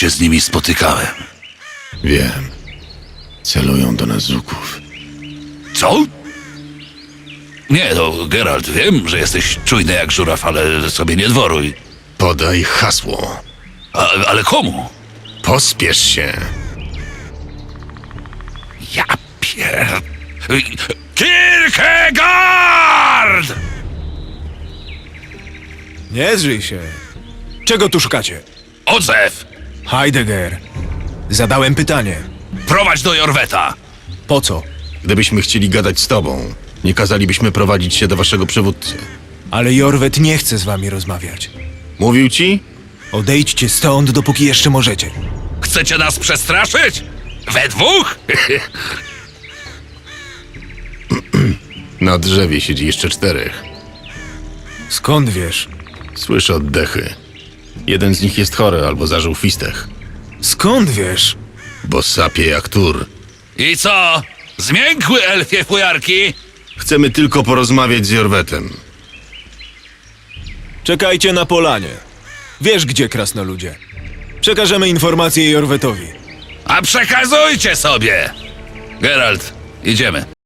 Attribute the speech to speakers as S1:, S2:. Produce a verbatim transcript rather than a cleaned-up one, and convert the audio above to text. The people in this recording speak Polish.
S1: się z nimi spotykałem.
S2: Wiem. Celują do nas z łuków.
S1: Co? Nie, no, Geralt, wiem, że jesteś czujny jak żuraw, ale sobie nie dworuj.
S2: Podaj hasło.
S1: A, ale komu?
S2: Pospiesz się.
S1: Ja pier... Kierkegaard!
S3: Nie zrzyj się. Czego tu szukacie?
S1: Odzew!
S3: Heidegger. Zadałem pytanie.
S1: Prowadź do Jorweta!
S3: Po co?
S2: Gdybyśmy chcieli gadać z tobą, nie kazalibyśmy prowadzić się do waszego przywódcy.
S3: Ale Jorwet nie chce z wami rozmawiać.
S2: Mówił ci?
S3: Odejdźcie stąd, dopóki jeszcze możecie.
S1: Chcecie nas przestraszyć? We dwóch?
S2: Na drzewie siedzi jeszcze czterech.
S3: Skąd wiesz?
S2: Słyszę oddechy. Jeden z nich jest chory albo zażył fistech,
S3: Skąd wiesz?
S2: bo sapie jak tur.
S1: I co? Zmiękły elfie fujarki?
S2: Chcemy tylko porozmawiać z Jorwetem.
S3: Czekajcie na polanie. Wiesz gdzie, krasnoludzie. Przekażemy informację Jorwetowi.
S1: A przekazujcie sobie! Geralt, idziemy.